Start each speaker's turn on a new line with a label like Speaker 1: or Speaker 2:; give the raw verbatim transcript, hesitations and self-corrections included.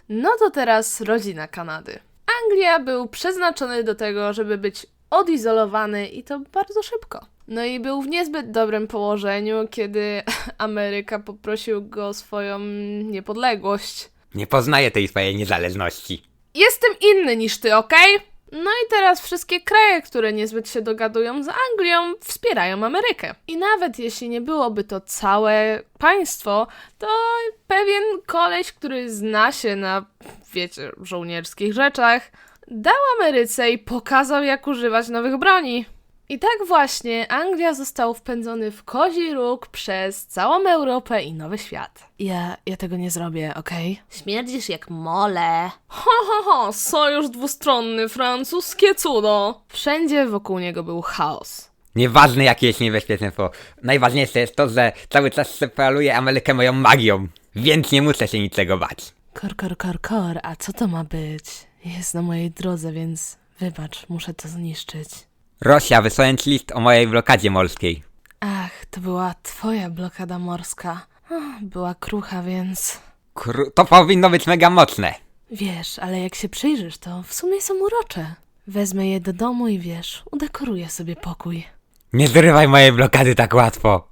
Speaker 1: No to teraz rodzina Kanady. Anglia był przeznaczony do tego, żeby być odizolowany i to bardzo szybko. No i był w niezbyt dobrym położeniu, kiedy Ameryka poprosił go o swoją niepodległość.
Speaker 2: Nie poznaję tej swojej niezależności.
Speaker 1: Jestem inny niż ty, okej? No i teraz wszystkie kraje, które niezbyt się dogadują z Anglią, wspierają Amerykę. I nawet jeśli nie byłoby to całe państwo, to pewien koleś, który zna się na, wiecie, żołnierskich rzeczach, dał Ameryce i pokazał, jak używać nowych broni. I tak właśnie Anglia został wpędzony w kozi róg przez całą Europę i Nowy Świat. Ja, ja tego nie zrobię, okej? Śmierdzisz jak mole. Ho, ho, ho, sojusz dwustronny, francuskie cudo. Wszędzie wokół niego był chaos.
Speaker 2: Nieważne jakie jest niebezpieczeństwo. Najważniejsze jest to, że cały czas separuję Amerykę moją magią. Więc nie muszę się niczego bać.
Speaker 1: Kor, kor, kor, kor, a co to ma być? Jest na mojej drodze, więc wybacz, muszę to zniszczyć.
Speaker 2: Rosja, wysłałem ci list o mojej blokadzie morskiej.
Speaker 1: Ach, to była twoja blokada morska. Ach, była krucha, więc...
Speaker 2: Kru- to powinno być mega mocne.
Speaker 1: Wiesz, ale jak się przyjrzysz, to w sumie są urocze. Wezmę je do domu i wiesz, udekoruję sobie pokój.
Speaker 2: Nie zrywaj mojej blokady tak łatwo.